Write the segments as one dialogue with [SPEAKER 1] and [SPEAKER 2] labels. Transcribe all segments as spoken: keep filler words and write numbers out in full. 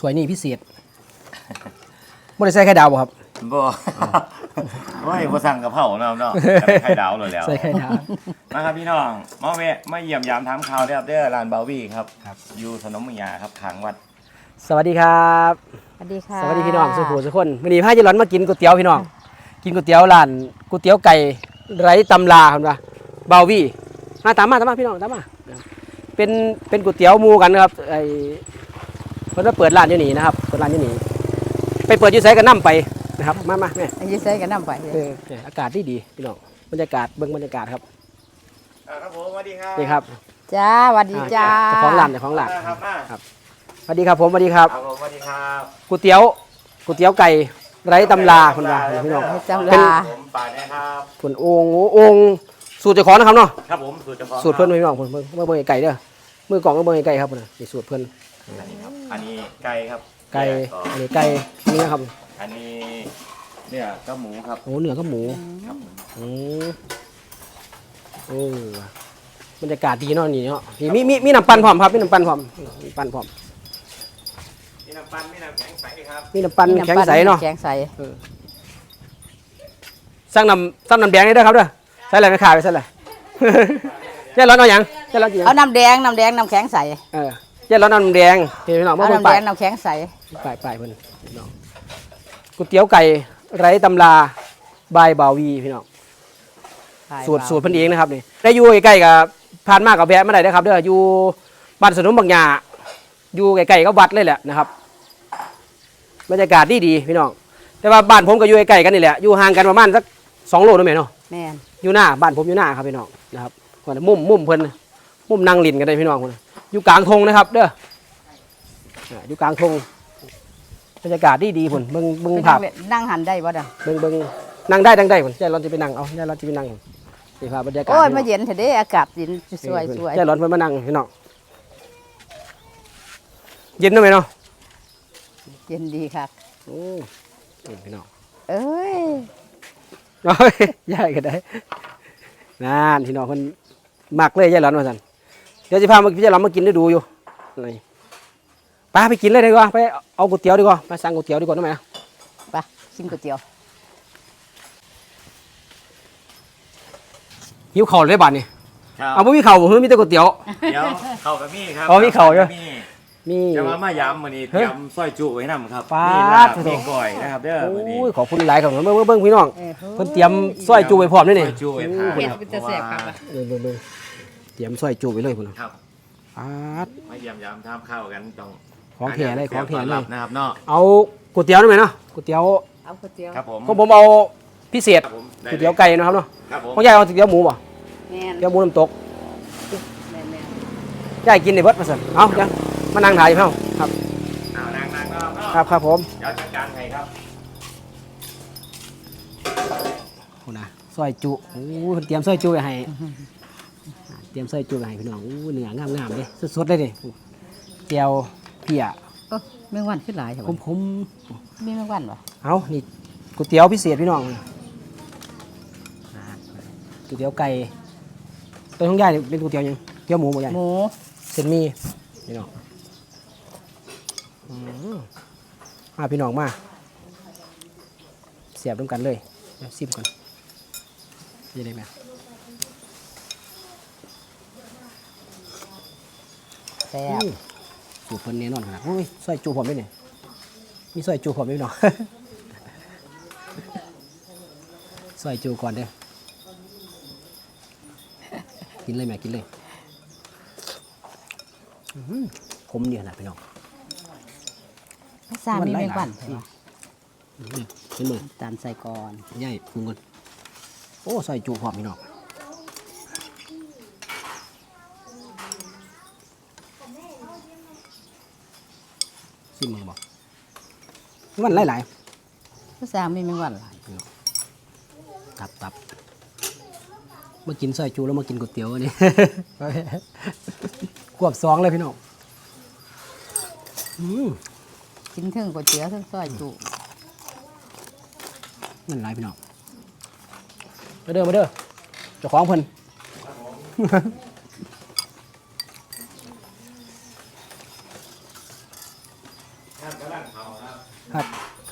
[SPEAKER 1] ถ้วยนี้พิเศษไม่ได้ใส่ไข่ดาวบ่ครับ
[SPEAKER 2] บ่ว่าบ่สั่งกะเพราเนาะเนาะไข่ดาวเลยแล้ว
[SPEAKER 1] ใส่ไข่ดาว
[SPEAKER 2] มาครับพี่น้องมาเวะมาเยี่ยมยามถามข่าวได้ครับเด้อร้านเบาวี่ครับอยู่ถนนเมืองยาครับขางวัด
[SPEAKER 1] สวัสดีครับ
[SPEAKER 3] สวัสดีค่ะ
[SPEAKER 1] สวัสดีพี่น้องสุขุมสุขคนวันนี้พาเจร้อนมากินก๋วยเตี๋ยวพี่น้องกินก๋วยเตี๋ยวร้านก๋วยเตี๋ยวไก่ไร้ตำราครับว่าเบาวี่มาตามมาตามมาพี่น้องตามมาเป็นเป็นก๋วยเตี๋ยวหมูกันครับไอเพิ่นว่าเปิดร้านอยู่นี่นะครับเปิดร้านอยู่นี่ไปเปิดอยู่ไสกันน้ำไปนะครับมามาแม่
[SPEAKER 3] ยืดใส่กันน้ำไป
[SPEAKER 1] เอออากาศดีดีพี่น้องบรรยากาศเบิ่งบรรยากาศครับ
[SPEAKER 2] ครับผมสวัสดีครับ
[SPEAKER 1] นี่ครับ
[SPEAKER 3] จ้าสวัสดีจ้า
[SPEAKER 1] เจ้าของร้านเจ้าของร้านครับสวัสดีครับผมสวัสดีครับ
[SPEAKER 2] ครับผมสวัสดีครับ
[SPEAKER 1] ก๋วยเตี๋ยวก๋วยเตี๋ยวไก่ไร้ตำราคนว่าพี่น้อง
[SPEAKER 3] ตำรา
[SPEAKER 2] ผมปาดนะครับ
[SPEAKER 1] ผลองค์องค์สูตรเจ้าของนะครับเนาะ
[SPEAKER 2] ครับผมสูตรเจ้าของ
[SPEAKER 1] สูตรเพิ่นพี่น้องเพิ่นเมื่อเบิ่งไก่เด้อมือกล่องก็เบิ่งไก่ครับนะนี่สูตรเพิ่น
[SPEAKER 2] อันนี้ครับอันนี้ไก่ครับ
[SPEAKER 1] ไก่อันนี้ไก่นี่นะครับ
[SPEAKER 2] อันนี้เนี่ยก็หมูครับ
[SPEAKER 1] โอ้เนื้อก็หมู
[SPEAKER 2] ครับ
[SPEAKER 1] อืมโอ้บรรยากาศดีเนาะนี่เนาะมีมีมีน้ำปั่นพร้อมครับมีน้ำปั่นพร้อมมีปั่นพร้อม
[SPEAKER 2] มีน้ำปั่นมีน้ำแข็งใสครับ
[SPEAKER 1] มีน้ำปั่นแข็งใสเนาะ
[SPEAKER 3] แข็งใส
[SPEAKER 1] สั่งน้ำสั่งน้ำแดงได้ด้วยครับเด้อใส่อะไรไม่ขาดไปใส่อะไรเจ๊ร้อนเอาอย่างเจ๊ร้อนกี่
[SPEAKER 3] เอาน้ำแดงน้ำแดงน้ำแข็งใส
[SPEAKER 1] เออเจ๊ร้อนน้ำแดงเห็นไหมน้อง
[SPEAKER 3] เอาน้ำแดงน้ำแข็งใส
[SPEAKER 1] ไปไปเพื่อนน้องก๋วยเตี๋ยวไก่ไร้ตำราบายบาวีพี่น้องสูตรสูตรเพิ่นเองนะครับนี่ได้อยู่ใกล้ๆกับผ่านมากกับแวะมาได้นะครับเด้ออยู่บ้านสนุนบางหญ้าอยู่ใกล้ๆกับวัดเลยแหละนะครับบรรยากาศดีดีพี่น้องแต่ว่าบ้านผมก็อยู่ใกล้ๆกันนี่แหละอยู่ห่างกันประมาณสักสองโลนั่นเองเนาะ
[SPEAKER 3] แม่น
[SPEAKER 1] อยู่หน้าบ้านผมอยู่หน้าครับพี่น้องนะครับคนมุมมุมเพิ่นมุมนั่งลินกันได้พี่น้องคนอยู่กลางธงนะครับเด้ออยู่กลางธงบรรยากาศดีดีพุ่นเบิ่งเบิ่งภาพ
[SPEAKER 3] นั่งหันได้บ่ดัง
[SPEAKER 1] เบิ่งเบิ่งนั่งได้ดังได้พุ่นใจร้อนจะไปนั่งเอาใจร้อนจะไปนั่งนี่ภาพบรรยากาศ
[SPEAKER 3] โอ้ยมาเย็นเถอะเด้อากาศเย็นสวยสวย
[SPEAKER 1] ใจร้อนเพิ่นมานั่งพี่น้องเย็นได้ไหมเนาะ
[SPEAKER 3] เย็นดีครับ
[SPEAKER 1] โอ้พี่น้อง
[SPEAKER 3] เอ้ย
[SPEAKER 1] โอ้ยยายก็ได้นั่นพี่น้องคนมักเลยยายหลอนมาสั่นเดี๋ยวจะพามาพี่ยายหลอนมากินได้ดูอยู่นี่ไปไปกินเลยดีกว่าไปเอาก๋วยเตี๋ยวดีกว่าไปสั่งก๋วยเตี๋ยวดีกว่าได้ไหม
[SPEAKER 3] ไปกินก๋วยเตี๋ยว
[SPEAKER 1] หิวเข่าเลยบ้านนี่เอาไม่มีเข่าเฮ้ยมีแต่ก๋วยเตี๋ยว
[SPEAKER 2] เดี๋ยวเข่ากับมี่ครับ
[SPEAKER 1] อ๋อมีเข่าใช่ไหมมี
[SPEAKER 2] จะมามายำวันนี้ยำสร้อยจุไว้นำครับ
[SPEAKER 1] ป้า
[SPEAKER 2] มีก่อยนะครับเด้อวันนี้
[SPEAKER 1] ขอบคุณหลายครับเบิ้งเบิ้งพี่น้องเพิ่นเตรียมสร้อยจุไว้พร้อมนี่นี่
[SPEAKER 2] จุไว้พร้อมครับ
[SPEAKER 3] จะแสบครับ
[SPEAKER 1] เบิ้งเบิ้งเบิ้งเตรียมสร้อยจุไว้เลยคุณ
[SPEAKER 2] ครับ
[SPEAKER 1] ป้า
[SPEAKER 2] มาเยี่ยมยำทำข้าวกันต้อง
[SPEAKER 1] ของแถเลยของแถเลย
[SPEAKER 2] นะครับเนาะ
[SPEAKER 1] เอาก๋วยเตี๋ยวได้ไหมเนาะก๋วยเตี๋ยว
[SPEAKER 3] เอาก๋วยเตี๋ยว
[SPEAKER 2] ครับผม
[SPEAKER 1] ของผมเอาพิเศษก๋วยเตี๋ยวไก่นะครับเนาะของยายเอาก๋วยเตี๋ยวหมูป่ะเตี๋ยวหมูน้ำตกยายกินในเบิดมาสั่นเอาจังมานั่งถ่ายเพิ่มครับ
[SPEAKER 2] เอานั่งนั่งเนาะ
[SPEAKER 1] ครับครับผม
[SPEAKER 2] เดี๋ยวจัดการให้ครับ
[SPEAKER 1] โอ้นะซอยจุโอ้เตรียมซอยจุไว้ให้เตรียมซอยจุไว้ให้พี่น้องโอ้เนื้องามๆเลยสดๆเลยดิเจียวเพีย
[SPEAKER 3] เมื่อวันขึ้นหลายครับ
[SPEAKER 1] ผมผม
[SPEAKER 3] มีเมื่อวันเหรอ
[SPEAKER 1] เอานี่ก๋วยเตี๋ยวพิเศษพี่น้องก๋วยเตี๋ยวไก่ตัวท้องใหญ่เป็นก๋วยเตี๋ยวยังเตี๋ยวหมูหมดใหญ่
[SPEAKER 3] หมู
[SPEAKER 1] เส้นมีพี่น้องมาพี่น้องมาเสียบร่วมกันเลยซิมก่อนยังไงไหม
[SPEAKER 3] แซ่บ
[SPEAKER 1] สูตรเพิ่นแน่นอนขนาดโอ้ยซอยจูผมด้วยเนี่ยมีซอยจูผมด้วยเนาะซอยจูก่อนเด้อกินเลยแม่กินเลยผมดีขนาดพี่น้อง
[SPEAKER 3] ซามีไม่ปั่น
[SPEAKER 1] เห็นมือ
[SPEAKER 3] ตามใส่ก่อน
[SPEAKER 1] ใหญ่ปรุงก่อนโอ้ซอยจูหอมพี่น้องซิมมือบอกมันหลาย
[SPEAKER 3] ๆซามีไม่ปั่นหลาย
[SPEAKER 1] ตับตับมากินซอยจูแล้วมากินก๋วยเตี๋ยวนี่ควบสองเลยพี่น้อง
[SPEAKER 3] กินถึงก๋วยเตี๋ยวถึงซอยจุ
[SPEAKER 1] นั่นไรพี่น้องมาเด้อมาเด้อเจ้าของเพิ่น
[SPEAKER 2] ครับกำลังเขาครับ
[SPEAKER 1] ครับ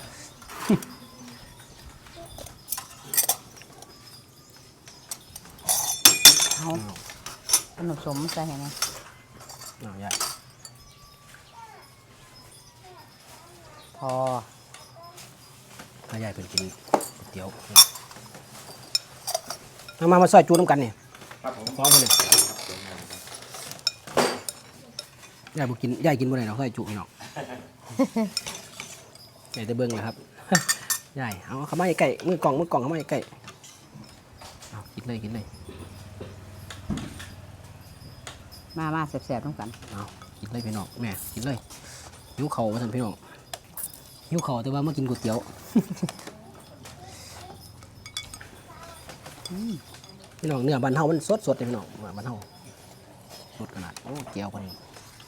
[SPEAKER 3] เอาขนมสมใส่ให้นะ
[SPEAKER 1] เอาใหญ่
[SPEAKER 3] พอ
[SPEAKER 1] ถ้าใหญ่เป็นกินก๋วยเตี๋ยวเอามามาซอยจูน้ำกันเนี่ย
[SPEAKER 2] ครับผม
[SPEAKER 1] พร้อมกันเลยยายบุกินยายกินบ่ได้เนาะซอยจูพี่น้อง ใหญ่จะเบิ่งเลยครับ ใหญ่เอาเข้ามาใกล้มือกล่องมือกล่องเข้ามาใกล้เอากินเลยกินเลย
[SPEAKER 3] มามาแสบๆต้องกัน
[SPEAKER 1] เอากินเลยพี่น้องแม่กินเลยหิวเข่ามาทันพี่น้องหิวเข่าแต่ว่ามากินก๋วยเตี๋ยว พี่น้องเนื้อบ้านเฮามันสดสดเลยพี่น้องเนื้อบ้านเฮาสดขนาดโอ้เจียวพอดี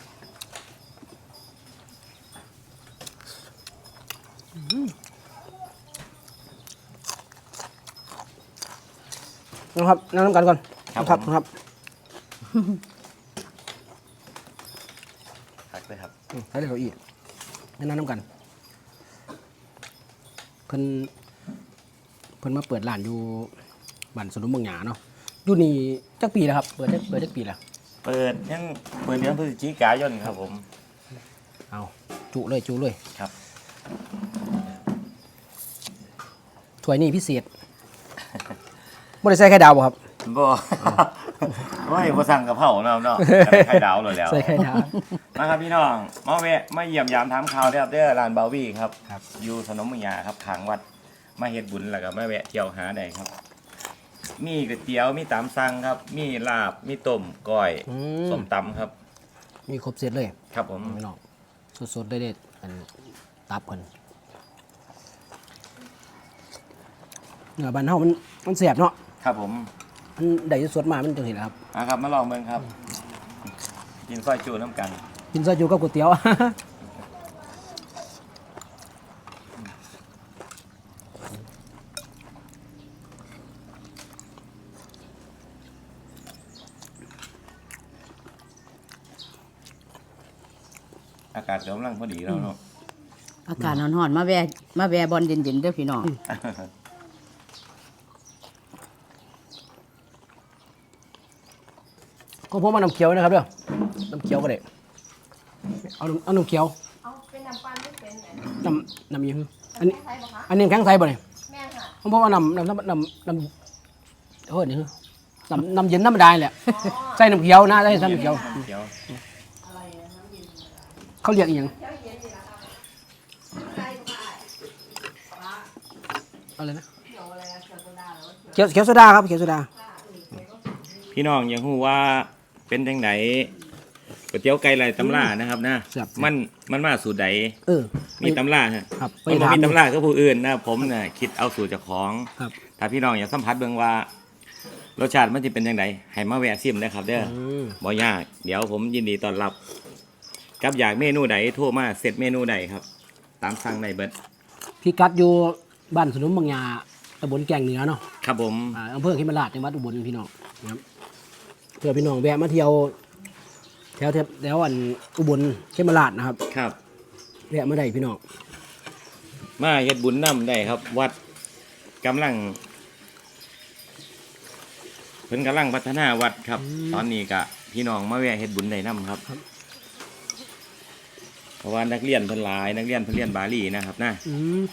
[SPEAKER 1] นะครับนั่งน้ำกันก่อนครับครับ
[SPEAKER 2] พักเลยครับ
[SPEAKER 1] อืมใช้ได้เก้าอี้นั่งน้ำกันเพิ่นเพิ่นมาเปิดร้านอยู่บ้านสนุนเมืองหยาเนาะอยู่นี่จักปีแล้วครับเปิดจักเปิดจักปีแล้ว
[SPEAKER 2] เปิดยังเปิดเดือนพฤศจิกายนครับผม
[SPEAKER 1] เอาจุเลยจุเลย
[SPEAKER 2] ครับ
[SPEAKER 1] ถ้วยนี้พิเศษ บ่ได้ใส่ไข่ดาวบ่ครับ
[SPEAKER 2] บ่ว่าให้บ่สั่งกะเพราเนาะเนาะไข่ดาวเลยแล้ว
[SPEAKER 1] ใส่ไข่ดาว
[SPEAKER 2] มาครับพี่น้องมาแวะมาเยี่ยมยามถามข่าวเด้อครับเด้อร้านบาวี่ครับ
[SPEAKER 1] ครับ
[SPEAKER 2] อยู่ถนนเมืองหยาครับขางวัดมาเฮ็ดบุญแล้วก็มาแวะเที่ยวหาได้ครับ มีก๋วยเตี๋ยวมีตามสั่งครับ มีลาบมีต้มก้อย
[SPEAKER 1] อืม
[SPEAKER 2] ส้มตำครับ
[SPEAKER 1] มีครบเซตเลย
[SPEAKER 2] ครับผม
[SPEAKER 1] พี่น้องสดๆได้เด็ดอันตับเพิ่นเนื้อบ้านเฮามันมันแซ่บเนาะ
[SPEAKER 2] ครับผม
[SPEAKER 1] มันได้สดมามันจังซี่แหละครับ
[SPEAKER 2] อ่ะครับมาลองเบิ่งครับ กินซอยจูน้ำกัน
[SPEAKER 1] กินซอยจูกับก๋วยเตี๋ยว
[SPEAKER 2] อากาศกำลังพอดีแล้วเนาะ
[SPEAKER 3] อากาศร้อนๆมาแวะมาแวะบอลเย็นๆเด้อพี่น้อง
[SPEAKER 1] ก็ผมเอาน้ำเขียวนะครับเด้อน้ำเขียวก็ได้เอาน้ำเอาน้ำเขียว
[SPEAKER 4] เอาเป็นน้ำปันไม่เป็นไหน
[SPEAKER 1] น้ำน้ำยิงอันนี้
[SPEAKER 4] ใช่ปะคะ
[SPEAKER 1] อันนี้แข็งใสบ่เนี่ย
[SPEAKER 4] แม่ค่ะ
[SPEAKER 1] ผมบอกว่าน้ำน้ำน้ำน้ำน้ำเฮ้ยนี่คือน้ำน้ำเย็นน้ำธรรมดาแหละใส่น้ำเขียวนะใส่น้ำเขียว
[SPEAKER 2] เขียว
[SPEAKER 1] เขาเรียกอีหยังอะไรนะเขียวเขียวโซดาครับเขียวโซดา
[SPEAKER 2] พี่น้องยังฮู้ว่าเป็นจังไดก๋วยเตี๋ยวไก่ไรตำล่านะครับนะ
[SPEAKER 1] ครับ
[SPEAKER 2] มันมันมาสูตรใด
[SPEAKER 1] เออ
[SPEAKER 2] มีตำล่าฮะ
[SPEAKER 1] ครับไป
[SPEAKER 2] มันบ่
[SPEAKER 1] ถาม
[SPEAKER 2] มีตำล่าก็ผู้อื่นนะผมน่ะคิดเอาสูตรเจากของ
[SPEAKER 1] ครับ
[SPEAKER 2] ถ้าพี่น้องอยากสัมผัสเบิ่งว่ารสชาติมันจะเป็นจังไดให้มาแวะซิมนะครับเด้อ
[SPEAKER 1] อืม
[SPEAKER 2] บ่ยากเดี๋ยวผมยินดีต้อนรับกับอยากเมนูใดโทรมาเสร็จเมนูใดครับ ตามสั่งในเบิด
[SPEAKER 1] พี่กัดอยู่บ้านสนุนบางยาตำบลแกงเหนือเนาะ
[SPEAKER 2] ครับผม
[SPEAKER 1] อ่าอำเภอขิมราชจังหวัดอุบลพี่น้องนะครับเพื่อพี่น้องแวะมาเที่ยวแถวแถวแถวอันอุบลขิมราชนะครับ
[SPEAKER 2] ครับ
[SPEAKER 1] แวะมาได้พี่น้อง
[SPEAKER 2] มาเฮ็ดบุญนำได้ครับ วัดกำลังเพิ่นกำลังพัฒนาวัดครับ ตอนนี้ก็พี่น้องมาแวะเฮ็ดบุญได้นํครับ เพราะว่านักเรียนเพิ่นหลายนักเรียนเพิ่นเรียนบาลีนะครับนะ
[SPEAKER 1] อืม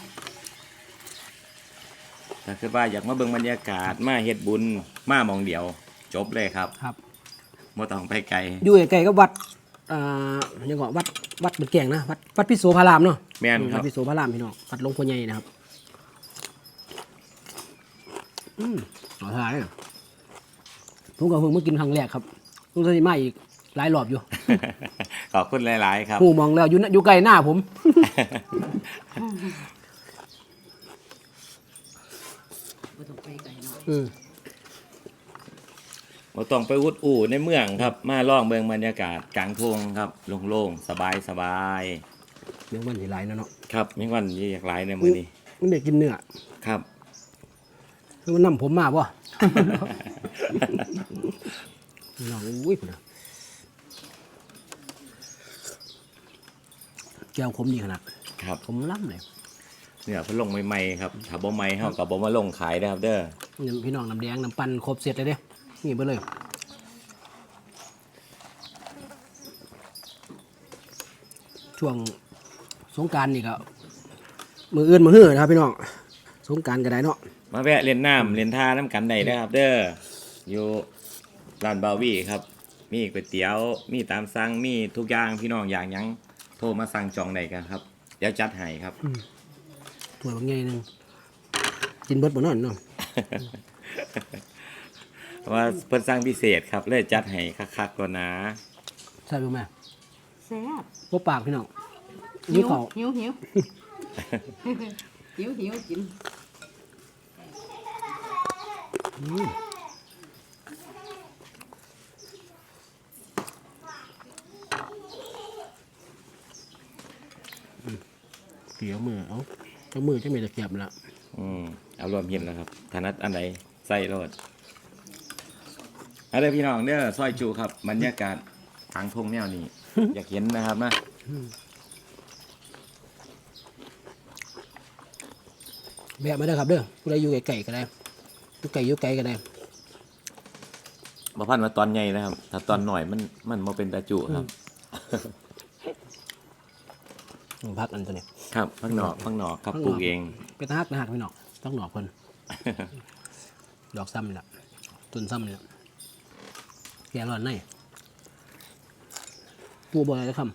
[SPEAKER 2] ถ้าคือว่าอยากมาเบิ่งบรรยากาศมาเฮ็ดบุญมาหมองเดียว จบเลยครับ
[SPEAKER 1] ครับ
[SPEAKER 2] บ่ต้องไปไกล
[SPEAKER 1] อยู่ใกล้ๆกับวัดอ่ายังก็วัดวัดบนแกงนะวัดวัดพิโสพารามเนาะ
[SPEAKER 2] แม่นครั
[SPEAKER 1] วั
[SPEAKER 2] บ
[SPEAKER 1] ดพิโสพารามพี่น้องวัดหลวงพ่อใหญ่นะครับอืมขอทานเลยผมก็เพิ่งมากินครั้งแรกครับต้องจะมาอีกหลายรอบอยู่
[SPEAKER 2] ขอบคุณหลาย ๆ ครับ
[SPEAKER 1] หูมองแล้วอยู่น่ะอยู่ใกล้หน้าผม
[SPEAKER 3] บ่ต้องไปไกลเนาะ
[SPEAKER 1] อืม
[SPEAKER 2] บ่ต้องไปอุดอู่ในเมืองครับ มาล่องเบิ่งบรรยากาศกลางทุ่งครับโล่งๆสบาย
[SPEAKER 1] เรื่องมันสิหลายนะเนาะ
[SPEAKER 2] ๆครับมีวันอยากหลายในมื้อนี้
[SPEAKER 1] มันได้กินเนื้อ
[SPEAKER 2] ครับ
[SPEAKER 1] คือมันนำผมมาป่ะ น้องอุ้ยพุ่นน่ะแก้วขมดีขนาด
[SPEAKER 2] ครับ
[SPEAKER 1] ขมล้ำเลย
[SPEAKER 2] เนี่ยเพิ่นลงใหม่ๆครับถ้าบ่ใหม่เฮาก็บ่มาลงขายเด้อครับเด้อ
[SPEAKER 1] นี่พี่น้องน้ำแดงน้ำปั่นครบเสร็จเลยเด้นี่เบิดเลยช่วงสงกรานต์นี่ก็มืออื่นมือหื้อนะครับพี่น้องสงกรานต์ก็ได้เนาะ
[SPEAKER 2] มาแวะเล่นน้ำเล่นท่าน้ำกันได้เด้อครับเด้ออยู่ร้านบาวี่ครับมีก๋วยเตี๋ยวมีตามสั่งมีทุกอย่างพี่น้องอย่างหยังโทรมาสั่งจองได้กันครับเดี๋ยวจัดให้ครับ
[SPEAKER 1] ถ้วยบางไงนึงกินเบิดบ่นอนเนาะ
[SPEAKER 2] ว่าเพิ่นสั่งพิเศษครับเลยจัดให้คักๆก่อนนะ
[SPEAKER 1] ใช่บ่แม่
[SPEAKER 3] แซ่บ
[SPEAKER 1] บ่ปากพี่น้องยิ้วเขา
[SPEAKER 3] หิวหิวหิวหิวกิน
[SPEAKER 1] อืมเกี่ยวมือเอาเจ้ามือจะมีตะเกียบละ
[SPEAKER 2] อืมเอารวมเห็นแล้วครับถนัดอันไหนใส่โลดเอาเด้อพี่น้องเด้อซอยจูครับบรรยากาศทางทงแนวนี้ อยากเห็นนะครับนะ
[SPEAKER 1] แบะมาได้อครับเด้อผู้ใดอยู่ไกลๆก็ได้อยู่ไกลอยู่ไกลก็ได้
[SPEAKER 2] บ่พันว่าตอนใหญ่นะครับ ถ้าตอนหน่อยมันมันบ่เป็นตาจุครับ
[SPEAKER 1] พักอันตัวนี้
[SPEAKER 2] ครับพักหนอกพักหนอกครับ
[SPEAKER 1] พักหนอก
[SPEAKER 2] ปลูกเอง
[SPEAKER 1] เป็นตาฮักนะฮักพี่น้องต้องหนอกเพิ่น ดอกซ้ำนี่ล่ะต้นซ้ำนี่ล่ะแกร้อนในปูบ่อะไรคำ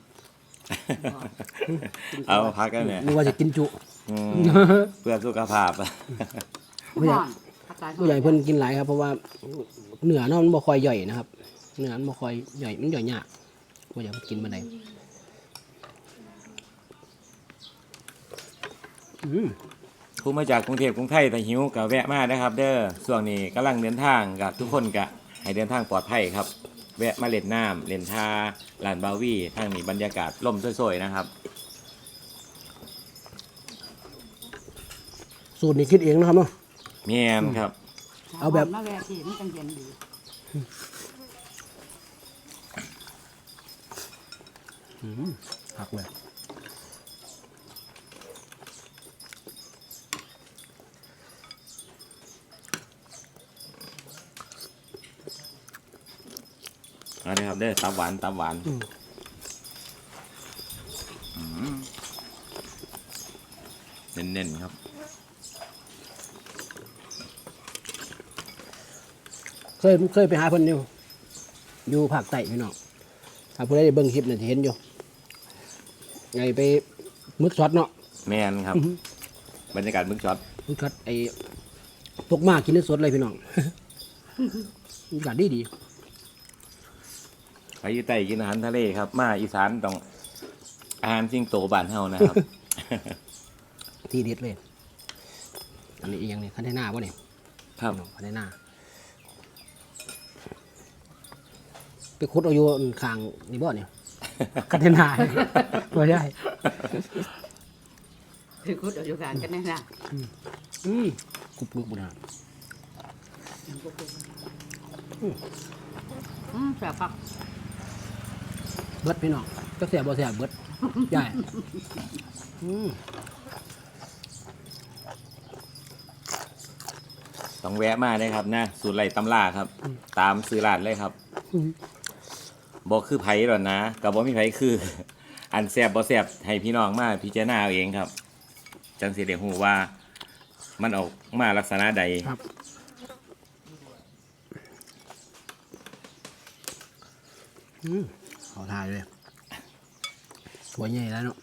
[SPEAKER 2] เอามาพักกันเนี่ย
[SPEAKER 1] นึกว่าจะกินจุ
[SPEAKER 2] อืมเพื่อสุขภาพ
[SPEAKER 1] ผู้ใหญ่
[SPEAKER 3] อากาศ
[SPEAKER 1] ผู้ใหญ่เพิ่นกินหลายครับเพราะว่าเนื้อเนาะมันบ่ค่อยย่อยนะครับเนื้อมันบ่ค่อยย่อยมันย่อยยากผู้ใหญ่เพิ่นกินมาได้อืม
[SPEAKER 2] ผู้มาจากกรุงเทพกรุงไทยแต่หิวก็แวะมานะครับ เด้อช่วงนี้กำลังเดินทางกับทุกคนก็ให้เดินทางปลอดภัยครับ แวะมาเล่นน้ำเล่นท่าลานบาวี่ทางนี้บรรยากาศล่มสวยๆนะครับ
[SPEAKER 1] สูตรนี้คิดเองนะครับเนาะ
[SPEAKER 2] แม่นครับ
[SPEAKER 1] เอาแบบ
[SPEAKER 3] มาแวะที่มันจังเย็นดี
[SPEAKER 1] ผักเลย
[SPEAKER 2] เอาเลยครับเด้อตับหวานตับหวานอืมเน้นๆครับ
[SPEAKER 1] เคยเคยไปหาเพิ่นอยู่อยู่ภาคใต้พี่น้องถ้าผู้ใดได้เบิ่งคลิปเนี่ยจะเห็นอยู่ไงไปมึกช็อตเนาะ
[SPEAKER 2] แม่นครับ บรรยากาศมึกช็อต
[SPEAKER 1] มึกช็อตไอ้ตกมากินได้สดเลยพี่น้อง บรรยากาศดีดี
[SPEAKER 2] ไปอยู่ใต้กินอาหารทะเลครับ มาอีสานต้องอาหารสิงโตบ้านเฮานะครับ
[SPEAKER 1] ที่เด็ดเลย อันนี้อีกอย่างหนี้คันเทน่าวะเนี่ย
[SPEAKER 2] ครับ
[SPEAKER 1] คันเทน่าไปคุดเอาอยู่ข้างนี่บ่เนี่ย คันเทน่า ตัวใหญ่
[SPEAKER 3] คือคุดเอาอยู่กันกันแน่นะ
[SPEAKER 1] อืมกรุบกรุบบุญนะ
[SPEAKER 3] อืมแซ่บปัก
[SPEAKER 1] เบิดพี่น้องก็เสียบ่เสียเบิดใหญ่อืม
[SPEAKER 2] ต้องแวะมาได้ครับนะสูตรไหลตำลาครับ ตามซื้อร้านเลยครับบอกคือไผ่หรอกนะกับบ่มีไผ่คือ อันแซบบ่แซบให้พี่น้องมาพิจารณาเอาเองครับ จังสิได้ฮู้ว่า มันออกมาลักษณะใด
[SPEAKER 1] ครับอืมขอทายเลยสวยใหญ่แล้วเนาะ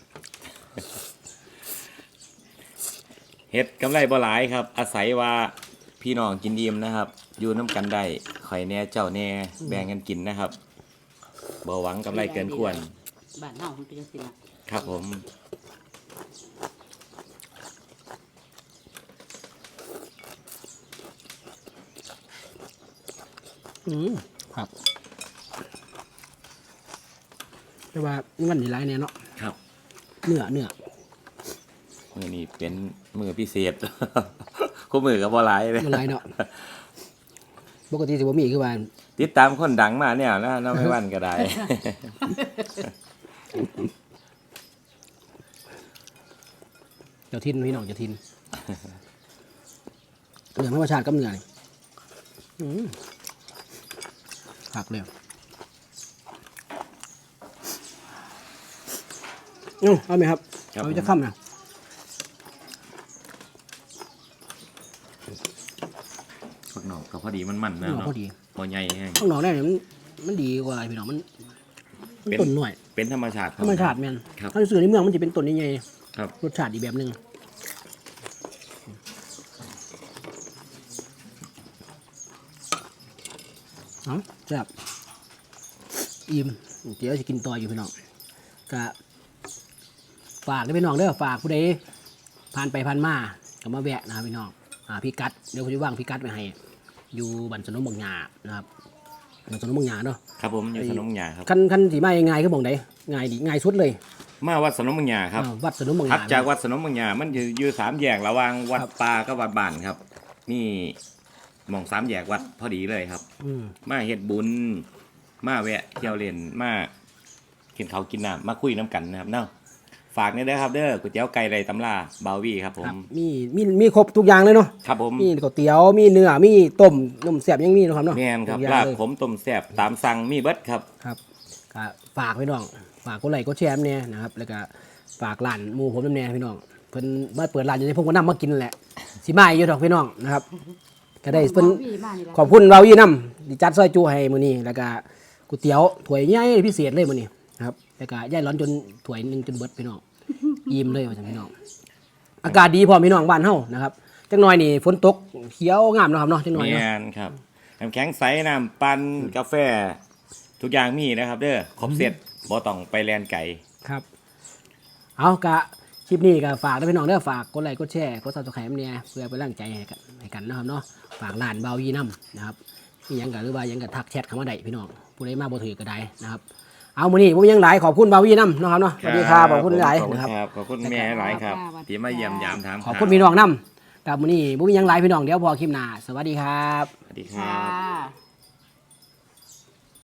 [SPEAKER 2] เฮ็ดกำไรบ่หลายครับ อาศัยว่าพี่น้องกินอิ่มนะครับ อยู่น้ำกันได้ข่อยแน่เจ้าแน่แบ่งกันกินนะครับบ่หวังกำไรเกินควร
[SPEAKER 3] บ้านเฮามันเป็นจังซี่ล่ะ
[SPEAKER 2] ครับผม
[SPEAKER 1] อืมครับแต่ว่ามันนี่ไรเนี่ยเนาะ
[SPEAKER 2] ครับ
[SPEAKER 1] เนื้อเนื้อ
[SPEAKER 2] มือนี้เป็นมือพิเศษ คู่มือกับบ่หลายเลย
[SPEAKER 1] มันไรเนาะปกติสิบ่มีคือว่า
[SPEAKER 2] ติดตามคนดังมาเนี่ยนะน้าไม่วันก็ได้
[SPEAKER 1] เจ้าทินพี่น้องเจ้าทินเหลืองธรรมชาติกับเนื้อนี่อืมผักเลยอืมเอาไหมครับ
[SPEAKER 2] ครับ
[SPEAKER 1] เอาจะข้ามนะ
[SPEAKER 2] ผักหนอกก็พอดีมันมันนะ
[SPEAKER 1] ข้างนอก
[SPEAKER 2] เนาะ
[SPEAKER 1] พอดี
[SPEAKER 2] พอใหญ่แห้ง
[SPEAKER 1] ข้างนอกเนี่ยมันมันดีกว่าอะไรพี่น้องมันมัน
[SPEAKER 2] เป็น
[SPEAKER 1] ต้นหน่อย
[SPEAKER 2] เป็นธรรมชาติ
[SPEAKER 1] ธรรมชาติแม่น
[SPEAKER 2] ครับ
[SPEAKER 1] ถ้าซื้อในเมืองมันจะเป็นต้นใหญ่
[SPEAKER 2] ครับ
[SPEAKER 1] ๆรสชาติอีกแบบหนึ่งเอ๋อแซ่บอิ่มเดี๋ยวจะกินต่ออยู่พี่น้องก็ฝากด้วยพี่น้องเด้อฝากผู้ใดผ่านไปผ่านมาก็มาแวะนะครับพี่น้องอ่าพี่กัดเดี๋ยวผมจะว่างพี่กัดไปให้ อยู่บันสนมบางหยานะครับบันสนมบางหยาเนาะ
[SPEAKER 2] ครับผมอยู่สนมหยาครับ
[SPEAKER 1] คันคันสีมาง่ายๆก็บอกได้ง่ายดีง่ายสุดเลย
[SPEAKER 2] มาวัดสนมบางหยาครับ
[SPEAKER 1] อ่าวัดสนมบางห
[SPEAKER 2] ถัด
[SPEAKER 1] ยา
[SPEAKER 2] จากวัดสนมบางหยามันอยู่อยู่สามแยกระหว่างวัด
[SPEAKER 1] ครับ
[SPEAKER 2] ป่ากับวัดบ้านครับนี่หมองสามแยกวัดพอดีเลยครับ
[SPEAKER 1] อืม
[SPEAKER 2] มาเฮ็ดบุญมาแวะเที่ยวเล่นมากินข้าวกินน้ำมาคุยน้ำกันนะครับเนาะฝากนี่เด้อครับเด้อก๋วยเตี๋ยวไก่ไรตำลาบาวี่ครับผ
[SPEAKER 1] ครั
[SPEAKER 2] ม
[SPEAKER 1] บมีมีมีครบทุกอย่างเลยเนาะ
[SPEAKER 2] ครับผม
[SPEAKER 1] มีก๋วยเตี๋ยวมีเนื้อมีต้มนมแซ่บยังมีเนาะครับเนาะ
[SPEAKER 2] แม่นครับ
[SPEAKER 1] ทุกอย่า
[SPEAKER 2] ลาง บ
[SPEAKER 1] เลย
[SPEAKER 2] ผมต้มแซ่บตามสั่งมีเบิดครับ
[SPEAKER 1] ครับก็ฝากพี่น้องฝากกดไลค์กดแชร์เนี่ยนะครับแล้วก็ฝากร้านหมูผมน้ำแน่พี่น้องเพิ่นมาเปิดร้านอยู่ในพวกก็นำมากินนั่นแหละสิมาอยู่ดอกพี่น้องนะครับก็ได้เพิ่น
[SPEAKER 3] พี่มานี่ล่ะ
[SPEAKER 1] ขอบคุณเรายี่น้ำดิจัดซอยจูให้มื้อนี้แล้วก็ก๋วยเตี๋ยวถ้วยใหญ่พิเศษเลยมื้อนี้นะครับแล้วก็ย่ายร้อนจนถ้วยหนึงจนเบิดพี่น้องยิ้มเลยว่าจังพี่น้องอากาศดีพร้อมพี่น้องบ้านเฮานะครับจักหน่อยนี่ฝนตกเขียวงามเนาะครับเนาะจักหน่อย
[SPEAKER 2] แม่
[SPEAKER 1] เนาะ
[SPEAKER 2] นครับน้ำแข็งใสน้ำปั่นกาแฟ ทุกอย่างมีนะครับ เด้อครบเสร็จบ่ต้องไปแลนไก่
[SPEAKER 1] ครับ เอากะคลิปนี้ก็ฝากด้วยพี่น้องเด้อฝากกดไลค์กดแชร์กดซับสไครต์เนี่ยเพื่อเป็นกำลังใจให้กันให้กันนะครับเนาะฝากร้านเบายีน้ำนะครับนี่ยังกะหรือว่ายังกะทักแชทเข้ามาได้พี่น้องผู้ใดมาบ่ถือก็ได้นะครับเอามื้อนี้ผมยังหลายขอบคุณเบายีน้ำนะครับเนาะสวัสดีครับขอบคุณหลาย
[SPEAKER 2] ขอบคุณ
[SPEAKER 1] นะครับ
[SPEAKER 2] ครับขอบคุณแม่หลายครับที่มาเยี่ยมยามถาม
[SPEAKER 1] ขอบคุณพี่น้องน้ำกับมื้อนี้ผมยังหลายพี่น้องเดี๋ยวพอคลิปหน้าสวัสดีครับ
[SPEAKER 2] สวัสดีค
[SPEAKER 3] ค่
[SPEAKER 2] รับ
[SPEAKER 3] ะ